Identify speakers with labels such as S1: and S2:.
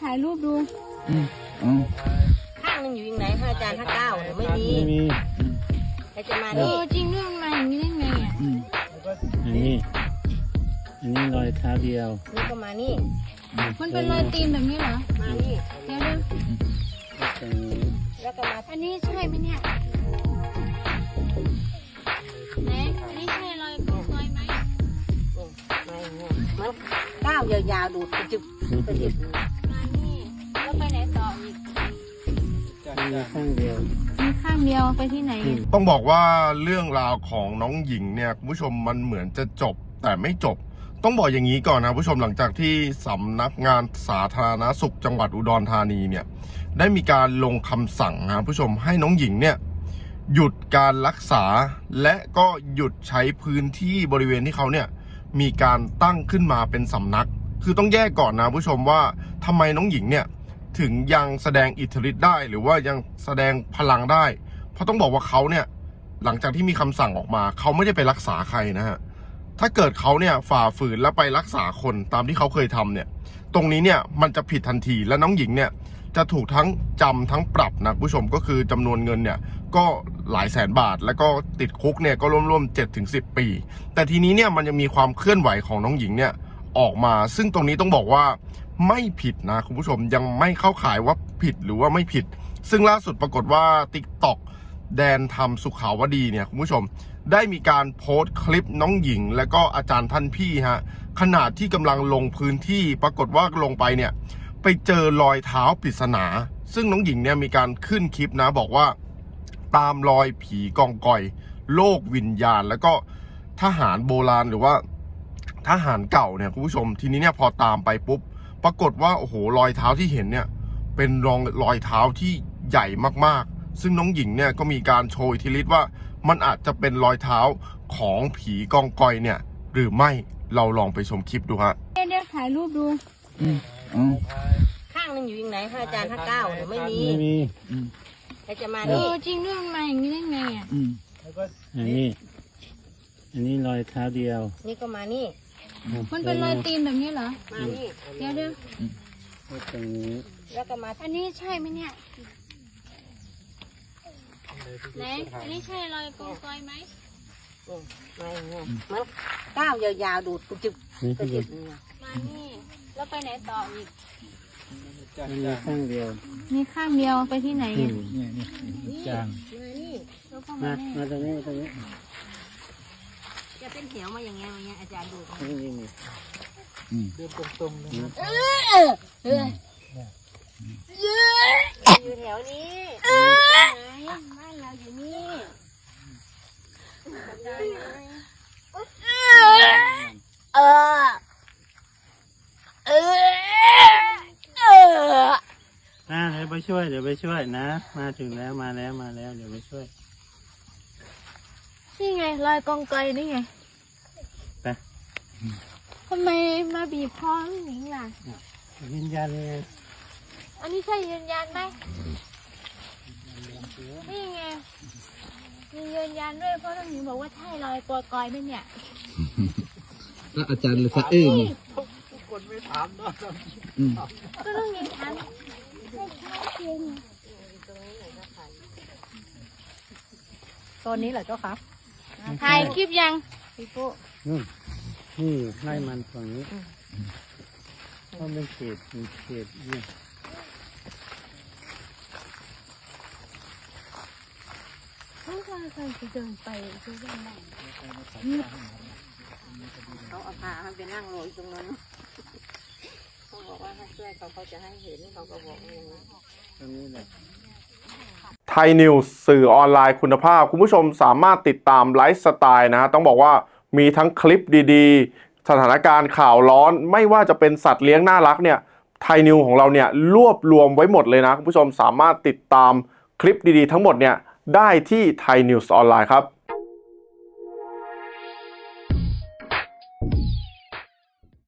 S1: ถ่ายรูปดู
S2: ข้างหนึงอยู่ยังไหนพระอาจารย์ข้าเก้าหรือไม่มีใครจะมานี่
S1: จริงด้วยมันมาอย่างนี้ได้ไงอ่ะ
S3: อันนี้รอยเท้าเดียว
S2: นี่ก็มานี่
S1: มันเป็นรอยตีนแบบนี้เหรอ
S2: มานี่
S1: เดี๋ยว
S2: แล้วก็มา
S1: อันนี้ใช่ไหมเนี่ยไหนอันนี้ใช่รอยกองรอยไหม
S2: ไม่มันก้าวยาวๆดูดจุ๊บกระดิบ
S1: มานี่แล้วไปไหนต่ออีก
S3: มีข้างเดียว
S1: มีข้างเดียวไปที่ไหน
S4: ต้องบอกว่าเรื่องราวของน้องหญิงเนี่ยคุณผู้ชมมันเหมือนจะจบแต่ไม่จบต้องบอกอย่างนี้ก่อนนะผู้ชมหลังจากที่สำนักงานสาธารณสุขจังหวัดอุดรธานีเนี่ยได้มีการลงคำสั่งนะผู้ชมให้น้องหญิงเนี่ยหยุดการรักษาและก็หยุดใช้พื้นที่บริเวณที่เขาเนี่ยมีการตั้งขึ้นมาเป็นสำนักคือต้องแยกก่อนนะผู้ชมว่าทำไมน้องหญิงเนี่ยถึงยังแสดงอิทธิฤทธิ์ได้หรือว่ายังแสดงพลังได้เพราะต้องบอกว่าเขาเนี่ยหลังจากที่มีคำสั่งออกมาเขาไม่ได้ไปรักษาใครนะฮะถ้าเกิดเขาเนี่ยฝ่าฝืนแล้วไปรักษาคนตามที่เขาเคยทำเนี่ยตรงนี้เนี่ยมันจะผิดทันทีและน้องหญิงเนี่ยจะถูกทั้งจำทั้งปรับนะผู้ชมก็คือจำนวนเงินเนี่ยก็หลายแสนบาทแล้วก็ติดคุกเนี่ยก็ร่วม 7-10 ปีแต่ทีนี้เนี่ยมันยังมีความเคลื่อนไหวของน้องหญิงเนี่ยออกมาซึ่งตรงนี้ต้องบอกว่าไม่ผิดนะคุณผู้ชมยังไม่เข้าข่ายว่าผิดหรือว่าไม่ผิดซึ่งล่าสุดปรากฏว่า TikTok แดนธรรมสุขาวดีเนี่ยคุณผู้ชมได้มีการโพสต์คลิปน้องหญิงและก็อาจารย์ท่านพี่ฮะขณะที่กำลังลงพื้นที่ปรากฏว่าลงไปเนี่ยไปเจอรอยเท้าปริศนาซึ่งน้องหญิงเนี่ยมีการขึ้นคลิปนะบอกว่าตามรอยผีกองกอยโลกวิญญาณแล้วก็ทหารโบราณหรือว่าทหารเก่าเนี่ยคุณผู้ชมทีนี้เนี่ยพอตามไปปุ๊บปรากฏว่าโอ้โหรอยเท้าที่เห็นเนี่ยเป็นรอยเท้าที่ใหญ่มากๆซึ่งน้องหญิงเนี่ยก็มีการโชว์อิทธิฤทธิ์ว่ามันอาจจะเป็นรอยเท้าของผีกองกอยเนี่ยหรือไม่เราลองไปชมคลิปดูฮะ
S1: เดี๋ยวถ่ายรูปดู
S2: ข้างหนึงอยู่ยังไหนพระอาจารย์ข้าเก้าหรือไม่มีใครจะมานี่
S1: จริงด้วยมันมาอย่างนี้ได้ไงอ่ะ
S3: อันนี้รอยเท้าเดียว
S2: นี่ก็มานี่
S1: มันเป็นรอยตีนแบบนี้เหรอ
S2: มานี่
S1: เดี๋ยว
S3: ตรงนี้
S2: แล้วก็มา
S1: อันนี้ใช่ไหมเนี่ยไหนอันนี้ใช่รอยกองกอยไหม
S2: ไม่มันก้าวยาวๆดูดจุ๊บกระดิบ
S1: มานี่แล้วไปไหนต่ออีก
S3: มีข้างเดียว
S1: มีข้างเดียวไปที่ไหน
S3: นี่จาง
S2: มา
S3: ตรงนี้
S2: จะเป็นเหวมาอย่างเงี้ยอาจารย์ดู
S3: เดินตรงๆเลย
S2: อยู่แถวนี้บ้านเราอยู่นี่
S3: เดี๋ยวไปช่วยนะมาถึงแล้วมาแล้วเดี๋ยวไปช่วย
S1: นี่ไงรอยกองกอยนี่ไง
S3: ไป
S1: ทำไมมาบีบคอลูกหญิงล่ะ
S3: ยืนยันไง
S1: อันนี้ใช่ยืนยันไหมนี่ไงมียืนยันด้วยเพราะลูกหญิงบอกว่าใช่รอยกอกอยไหมเนี่ย
S5: แล้วอาจารย์เลยสะเอง
S3: ทุกคนไม่ถามนะ
S1: ก็ลูกหญิงถามไม่ใช่จริง
S2: ตอนนี้เหรอเจ้าคะ
S1: ถ่ายคลิปยังพี่ปุ๊
S3: นี่ไล่มันฝั่งนี้เพราะเป็นเขตเนี่ย
S1: เขาจะเดินไปเพื่อว่านั่ง
S2: เขาเอาพาไปนั่งรออยู่ตรงนั้นเขาบอกว่าให้ช่วยเขาจะให้เห็นเขาก็บอกอย่างนี้
S3: ตรงนี้แหละ
S4: ไทยนิวส์สื่อออนไลน์คุณภาพคุณผู้ชมสามารถติดตามไลฟ์สไตล์นะต้องบอกว่ามีทั้งคลิปดีๆสถานการณ์ข่าวร้อนไม่ว่าจะเป็นสัตว์เลี้ยงน่ารักเนี่ยไทยนิวของเราเนี่ยรวบรวมไว้หมดเลยนะคุณผู้ชมสามารถติดตามคลิปดีๆทั้งหมดเนี่ยได้ที่ไทยนิวส์ออนไลน์ครับ